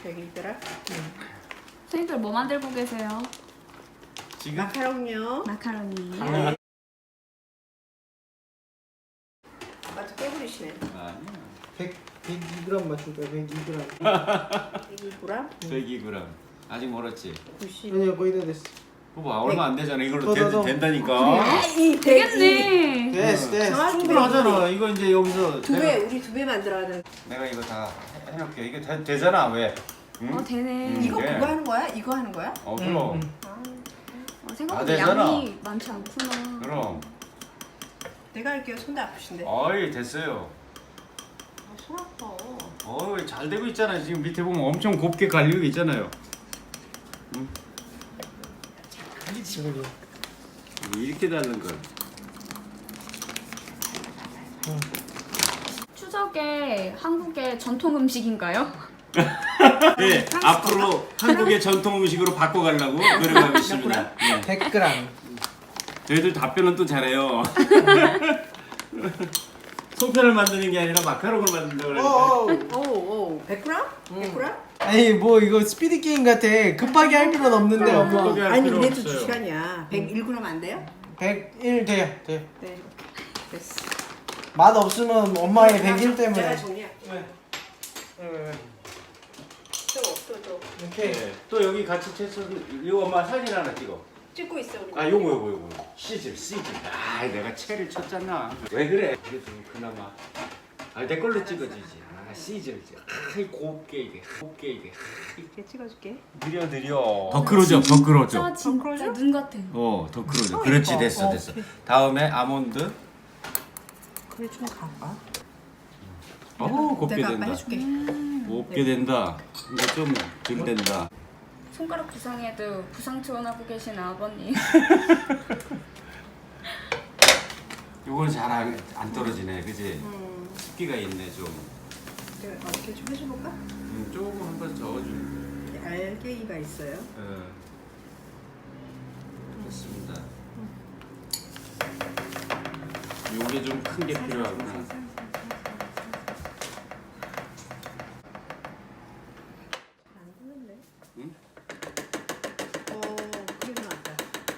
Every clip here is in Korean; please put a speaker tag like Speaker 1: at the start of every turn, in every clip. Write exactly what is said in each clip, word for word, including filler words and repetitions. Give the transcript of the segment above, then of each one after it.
Speaker 1: 백이더라. 응.
Speaker 2: 선생님들 뭐 만들고 계세요?
Speaker 3: 지금?
Speaker 1: 마카롱요.
Speaker 2: 마카로니.
Speaker 3: 아,
Speaker 1: 맞아 깨부리시네.
Speaker 3: 아니야.
Speaker 4: 백, 백이 그램 맞출 거야. 백이 그램.
Speaker 1: 백이 그램.
Speaker 3: 백이 그램. 아직 멀었지?
Speaker 1: 구십.
Speaker 4: 아니야 거의 다 됐어.
Speaker 3: 그거 얼마 안 되잖아. 이걸로
Speaker 4: 더,
Speaker 3: 된,
Speaker 4: 더, 더.
Speaker 3: 된다니까.
Speaker 1: 이
Speaker 2: 되겠네.
Speaker 4: 됐어 됐어.
Speaker 1: 정확히
Speaker 3: 충분하잖아. 이거 이제 여기서
Speaker 1: 두 배,
Speaker 3: 내가,
Speaker 1: 우리 두 배 만들어야 돼.
Speaker 3: 내가 이거 다 해- 해놓을게. 이게 되, 되잖아. 왜? 응?
Speaker 2: 어 되네.
Speaker 3: 음.
Speaker 1: 이거
Speaker 3: 네.
Speaker 1: 그거 하는 거야? 이거 하는 거야?
Speaker 3: 어 그럼.
Speaker 4: 응,
Speaker 2: 어, 생각보다
Speaker 3: 아, 되잖아.
Speaker 2: 양이 많지 않구나.
Speaker 3: 그럼.
Speaker 1: 내가 할게요. 손도 아프신데.
Speaker 3: 어이 됐어요.
Speaker 1: 아, 손 아파.
Speaker 3: 어이 잘 되고 있잖아. 지금 밑에 보면 엄청 곱게 갈리고 있잖아요. 응?
Speaker 4: 지금
Speaker 3: 이렇게 닳는 걸.
Speaker 2: 추석에 한국의 전통 음식인가요?
Speaker 3: 네, 앞으로 한국의 전통 음식으로 바꿔가려고 노력하고 있습니다. 네.
Speaker 4: 백 그램.
Speaker 3: 저희들 답변은 또 잘해요. 송편을 만드는 게 아니라 마카롱을 만든다고 그러니까.
Speaker 4: 어.
Speaker 1: 오, 오, 백 그램? 백 그램?
Speaker 4: 아니 뭐 이거 스피드 게임 같아. 급하게 할 필요는 없는데 엄마.
Speaker 3: 급하게 할
Speaker 1: 아니
Speaker 3: 필요
Speaker 1: 이래도
Speaker 3: 없어요.
Speaker 1: 두 시간이야. 백일 그램 안 돼요?
Speaker 4: 백일 돼요. 돼.
Speaker 1: 네. 됐어.
Speaker 4: 맛 없으면 엄마의 백일
Speaker 1: 내가
Speaker 4: 때문에.
Speaker 1: 정리할게.
Speaker 4: 왜? 왜, 왜, 왜?
Speaker 1: 저 없어, 저.
Speaker 4: 이렇게.
Speaker 3: 네. 또 여기 같이 채소 이거 엄마 사진 하나 찍어.
Speaker 1: 찍고 있어, 우리.
Speaker 3: 아 요거 요거 요거. 시집 시집. 아 내가 채를 쳤잖아. 왜 그래? 그래도 그나마. 아내 걸로 찍어주지. 아 시집. 아 곱게 이게 곱게 이게.
Speaker 1: 이렇게 찍어줄게.
Speaker 3: 느려 느려. 더 끌어줘 더 끌어줘.
Speaker 2: 진짜 진짜 눈 같아.
Speaker 3: 어, 더 끌어줘.
Speaker 1: 어,
Speaker 3: 그렇지,
Speaker 1: 이뻐.
Speaker 3: 됐어,
Speaker 1: 어,
Speaker 3: 됐어.
Speaker 1: 그래.
Speaker 3: 다음에 아몬드.
Speaker 1: 그래 좀 가봐.
Speaker 3: 어, 곱게
Speaker 1: 내가 아빠
Speaker 3: 된다.
Speaker 1: 해줄게.
Speaker 3: 곱게 된다. 이제 좀 덜 된다.
Speaker 2: 손가락 부상에도 부상 투혼하고 계신 아버님.
Speaker 3: 요거는 잘 안 떨어지네, 그지?
Speaker 1: 음,
Speaker 3: 습기가 있네, 좀.
Speaker 1: 내가 이렇게 좀 해줘볼까?
Speaker 3: 음, 조금 한번 저어줄.
Speaker 1: 알갱이가 있어요.
Speaker 3: 예. 됐습니다. 요게 좀 큰 게 필요하구나.
Speaker 1: 안 되는데.
Speaker 3: 응?
Speaker 1: 어, 그리고 나왔다.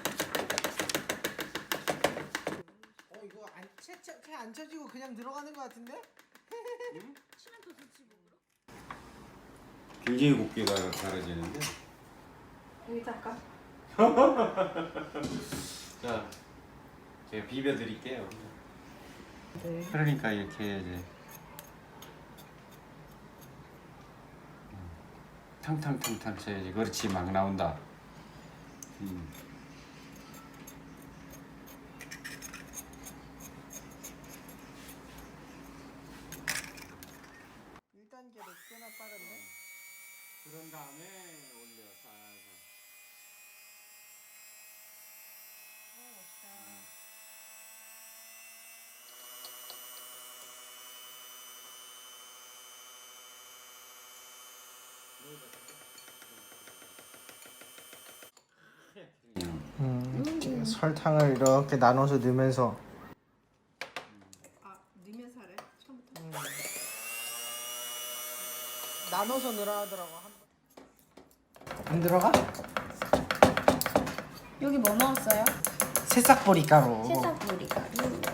Speaker 4: 어 이거 안 채채 안 쳐지고 그냥 들어가는 것 같은데?
Speaker 3: 굉장히 곱게가 갈아지는데.
Speaker 1: 여기다 할까?
Speaker 3: 자, 제가 비벼드릴게요.
Speaker 1: 네.
Speaker 3: 그러니까 이렇게 해야지. 탕탕탕탕 쳐야지. 그렇지, 막 나온다. 음.
Speaker 4: 일 단계로 꽤나 빠른데?
Speaker 3: 그런 다음에 올려 살살.
Speaker 4: 음, 설탕을 이렇게 나눠서 넣으면서
Speaker 1: 아, 넣으면서 하래. 처음부터.
Speaker 4: 음. 나눠서 넣으라 하더라고. 안 들어가?
Speaker 2: 여기 뭐 넣었어요?
Speaker 4: 새싹보리 가루.
Speaker 2: 새싹보리 가루.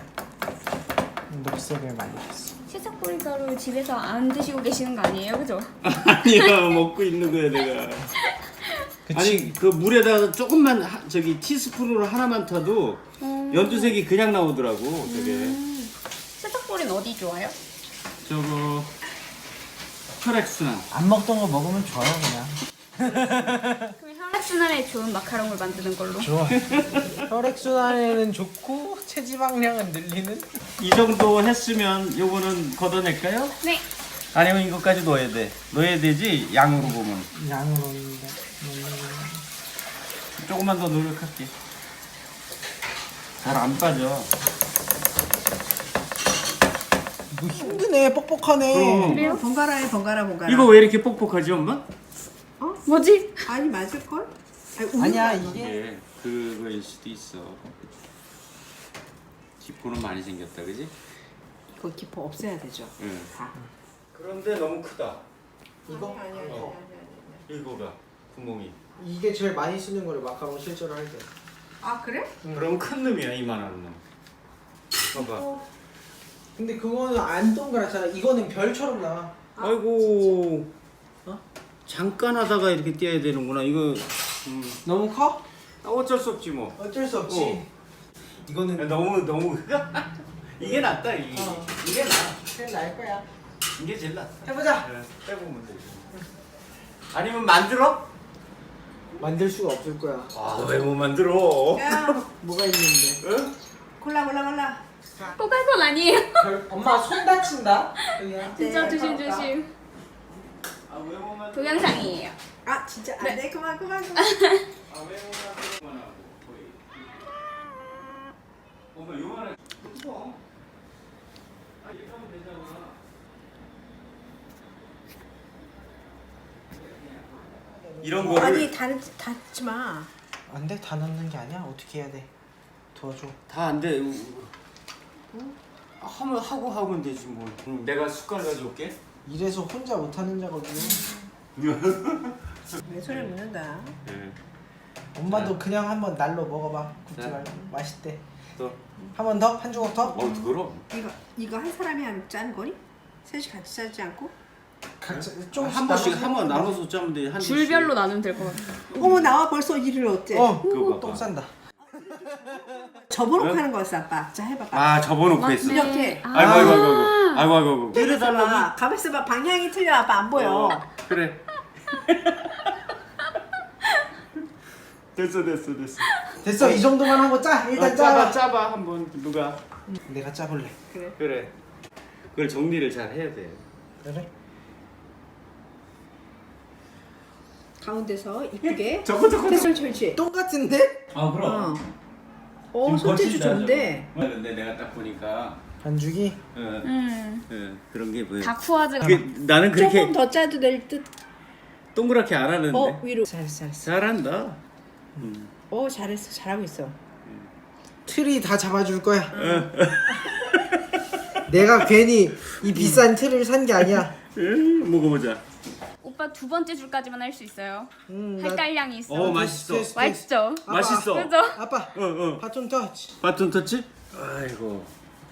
Speaker 4: 녹색을 만들었어.
Speaker 2: 새싹보리 가루 집에서 안 드시고 계시는 거 아니에요, 그죠?
Speaker 3: 아니야, 먹고 있는 거야 내가.
Speaker 4: 그치?
Speaker 3: 아니 그 물에다가 조금만 하, 저기 티스푼으로 하나만 타도
Speaker 2: 음.
Speaker 3: 연두색이 그냥 나오더라고. 저게
Speaker 2: 음. 새싹보리는 어디 좋아요?
Speaker 3: 저거 혈액순환.
Speaker 4: 안 먹던 거 먹으면 좋아요 그냥.
Speaker 2: 그럼 혈액순환에 좋은 마카롱을 만드는 걸로.
Speaker 4: 좋아. 혈액순환에는 좋고 체지방량은 늘리는.
Speaker 3: 이 정도 했으면 요거는 걷어낼까요?
Speaker 2: 네.
Speaker 3: 아니면 이것까지 넣어야 돼. 넣어야 되지 양으로 보면.
Speaker 4: 양을 넣는데.
Speaker 3: 조금만 더 노력할게. 잘 안 빠져.
Speaker 4: 이거 힘드네. 뻑뻑하네.
Speaker 3: 그럼.
Speaker 2: 그래요?
Speaker 1: 번갈아해, 번갈아, 번갈아.
Speaker 3: 이거 왜 이렇게 뻑뻑하지 엄마?
Speaker 2: 뭐지?
Speaker 1: 아니 맞을 걸? 아니, 우유가
Speaker 4: 아니야
Speaker 1: 안
Speaker 4: 이게
Speaker 3: 이게 그거일 수도 있어. 기포는 많이 생겼다, 그지?
Speaker 1: 그 기포 없애야 되죠.
Speaker 3: 응.
Speaker 1: 다.
Speaker 3: 그런데 너무 크다.
Speaker 4: 이거
Speaker 1: 아니 아니 아니
Speaker 3: 어.
Speaker 1: 아니.
Speaker 3: 이거가 구멍이.
Speaker 4: 이게 제일 많이 쓰는 거래 마카롱 실제로 할 때.
Speaker 1: 아 그래?
Speaker 3: 그럼 큰 놈이야 이만한 놈. 봐봐.
Speaker 4: 근데 그거는 안 동그랗잖아. 이거는 별처럼 나와.
Speaker 3: 아이고. 어? 잠깐 하다가 이렇게 떼야 되는구나. 이거 음.
Speaker 4: 너무 커?
Speaker 3: 어쩔 수 없지 뭐.
Speaker 4: 어쩔 수 없지.
Speaker 3: 어.
Speaker 4: 이거는
Speaker 3: 너무 너무 이게 낫다 이게.
Speaker 4: 어.
Speaker 3: 이게 나.
Speaker 4: 그냥 날 거야.
Speaker 3: 이게 제일 낫다.
Speaker 4: 해보자.
Speaker 3: 네, 빼보면 되지. 아니면 만들어?
Speaker 4: 만들 수가 없을 거야.
Speaker 3: 아 왜 못 만들어?
Speaker 1: 야
Speaker 4: 뭐가 있는데?
Speaker 3: 응?
Speaker 1: 골라 골라 골라.
Speaker 2: 꼬깔콘 아니에요.
Speaker 4: 별- 엄마 손 다친다. 여기야.
Speaker 2: 진짜
Speaker 1: 네,
Speaker 2: 조심
Speaker 1: 고맙다.
Speaker 2: 조심.
Speaker 3: 아왜 못 만들어?
Speaker 2: 동영상이에요.
Speaker 1: 아 진짜
Speaker 2: 네.
Speaker 1: 안돼 그만 그만. 그만.
Speaker 3: 아왜 못 만들어? 엄마 요만해. 뭐? 아 이렇게 하면 되잖아. 이런 거를
Speaker 1: 아니 닿지 닿지 마.
Speaker 4: 안 돼? 다 넣는 게 아니야? 어떻게 해야 돼? 도와줘.
Speaker 3: 다 안 돼. 하면 하고 하면 되지 뭐. 응, 내가 숟갈 가져올게.
Speaker 4: 이래서 혼자 못하는 작업이야.
Speaker 1: 내 손에 묻는다.
Speaker 3: 네.
Speaker 4: 엄마도 그냥 한번 날로 먹어봐. 굽지
Speaker 3: 자.
Speaker 4: 말고. 맛있대.
Speaker 3: 또.
Speaker 4: 한 번 더? 한 조각 더?
Speaker 3: 어 그럼.
Speaker 1: 이거 이거 한 사람이 한 짜는 거니? 셋이 같이 짜지 않고?
Speaker 4: 각자
Speaker 3: 좀
Speaker 4: 조금씩
Speaker 3: 한 번씩
Speaker 4: 나눠서
Speaker 3: 한 번
Speaker 4: 먹으면
Speaker 3: 나눠서 짜면 돼. 한
Speaker 2: 줄별로 나누면 될 것 같아요.
Speaker 1: 어머 나와 벌써 일을 어째?
Speaker 4: 어,
Speaker 3: 그거 봐봐.
Speaker 4: 똥 싼다.
Speaker 1: 접어놓고
Speaker 3: 응?
Speaker 1: 하는 거였어 아빠. 자 해봐봐.
Speaker 3: 아 접어놓고 했어.
Speaker 2: 맞네.
Speaker 1: 이렇게.
Speaker 3: 아이고 아이고 아이고 아이고 아이고 아이고.
Speaker 1: 이래달라고. 가만 있어봐. 방향이 틀려 아빠 안 보여.
Speaker 3: 어, 그래. 됐어 됐어 됐어.
Speaker 4: 됐어, 이 정도만 하고 짜. 일단
Speaker 3: 아,
Speaker 4: 짜봐.
Speaker 3: 짜봐 짜봐 한번 누가.
Speaker 4: 내가 짜볼래.
Speaker 1: 그래.
Speaker 3: 그래. 그걸 정리를 잘 해야 돼.
Speaker 4: 그래?
Speaker 1: 가운데서 이쁘게.
Speaker 3: 저거 저거.
Speaker 1: 됐어 철치.
Speaker 4: 똥 같은데?
Speaker 3: 아
Speaker 1: 어. 어 손재주 좋은데.
Speaker 3: 근데 내가 딱 보니까
Speaker 4: 반죽이?
Speaker 3: 어,
Speaker 2: 음.
Speaker 3: 어, 그런 게 보여.
Speaker 2: 다쿠아즈가
Speaker 3: 그게 나는 그렇게
Speaker 1: 조금 더 짜도 될 듯.
Speaker 3: 동그랗게 안 하는데.
Speaker 1: 어 위로. 잘했어 잘했어.
Speaker 3: 잘한다. 음.
Speaker 1: 어 잘했어 잘하고 있어.
Speaker 4: 틀이 다 잡아줄 거야. 내가 괜히 이 비싼 틀을 산 게 아니야.
Speaker 3: 음, 먹어보자.
Speaker 2: 오빠 두 번째 줄까지만 할 수 있어요.
Speaker 4: 음, 나-
Speaker 2: 할 있어.
Speaker 3: 어 맛있어.
Speaker 4: 테스트, 테스트.
Speaker 2: 맛있죠?
Speaker 4: 아빠,
Speaker 3: 맛있어.
Speaker 2: 그죠?
Speaker 4: 아빠,
Speaker 3: 어 어.
Speaker 4: 바톤 터치.
Speaker 3: 바톤 터치? 아이고.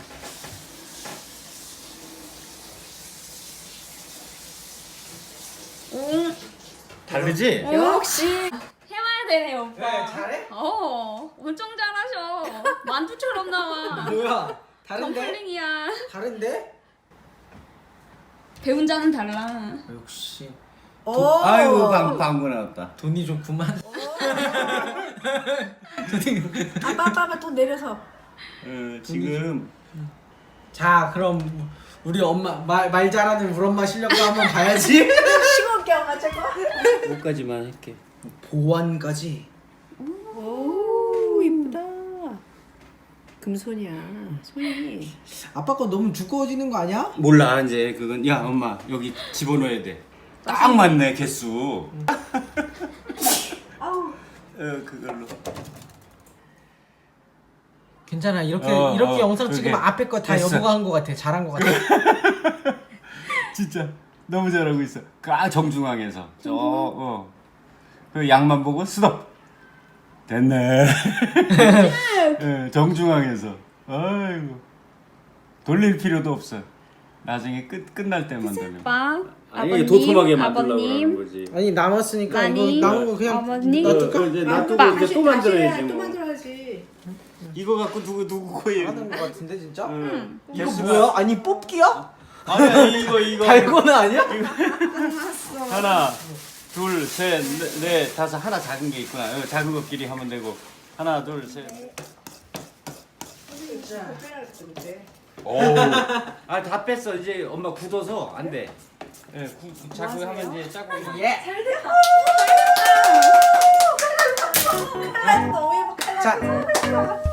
Speaker 2: 응.
Speaker 3: 다르지?
Speaker 1: 역시.
Speaker 2: 해봐야 되네요, 오빠.
Speaker 4: 네, 잘해?
Speaker 2: 어, 엄청 잘하셔. 만두처럼 나와.
Speaker 4: 뭐야? 다른데?
Speaker 2: 덤플링이야.
Speaker 4: 다른데?
Speaker 2: 배운 자는 달라.
Speaker 4: 역시
Speaker 1: 오.
Speaker 3: 아이고 방 방구 나왔다.
Speaker 4: 돈이 좀 그만.
Speaker 1: 아빠 아빠 아빠 돈 내려서.
Speaker 3: 어, 지금
Speaker 4: 자, 그럼 우리 엄마 말, 말 잘하는 우리 엄마 실력도 한번 봐야지.
Speaker 1: 싱겁게 엄마 저거.
Speaker 3: 여기까지만 할게.
Speaker 4: 보완까지.
Speaker 1: 오 이쁘다. 금손이야 손이.
Speaker 4: 아빠 거 너무 두꺼워지는 거 아니야?
Speaker 3: 몰라 이제 그건 야 엄마 여기 집어넣어야 돼. 딱 맞네 개수.
Speaker 1: 아우.
Speaker 3: 어 그걸로.
Speaker 4: 괜찮아. 이렇게
Speaker 3: 어,
Speaker 4: 이렇게
Speaker 3: 어,
Speaker 4: 영상
Speaker 3: 그러게.
Speaker 4: 찍으면 앞에 거 다
Speaker 3: 됐어.
Speaker 4: 여보가 한 거 같아. 잘한 거 같아.
Speaker 3: 진짜 너무 잘하고 있어. 그 정중앙에서 저 어. 그 양만 보고 스톱. 됐네. 예, 정중앙에서. 아이고. 돌릴 필요도 없어. 나중에 끝 끝날 때만 되면.
Speaker 2: 오빠,
Speaker 3: 아니
Speaker 2: 아버님,
Speaker 3: 도톰하게 만들려고
Speaker 2: 아버님.
Speaker 3: 하는 거지.
Speaker 4: 아니 남았으니까
Speaker 2: 많이.
Speaker 4: 이거 남은 거 그냥
Speaker 2: 어머니.
Speaker 4: 놔둘까?
Speaker 3: 어, 이제 놔두고
Speaker 2: 아빠.
Speaker 3: 이제 또 만들어야지
Speaker 1: 또
Speaker 3: 뭐.
Speaker 1: 만들어야지.
Speaker 3: 이거 갖고 누구 누구 코에.
Speaker 4: 하는 거 같은데 진짜?
Speaker 3: 응.
Speaker 4: 이거
Speaker 3: 개수가-
Speaker 4: 뭐야? 아니 뽑기야?
Speaker 3: 아니 아니 이거 이거.
Speaker 4: 달고는 아니야?
Speaker 3: 하나, 둘, 셋, 넷, 넷, 다섯. 하나 작은 게 있구나. 어, 작은 것끼리 하면 되고. 하나, 둘, 셋. 오. 아, 다 뺐어. 이제 엄마 굳어서 안 돼. 예, 구, 자꾸 하면 이제 짜고.
Speaker 4: 예.
Speaker 1: 칼날 너무 예뻐 칼날.
Speaker 4: 자,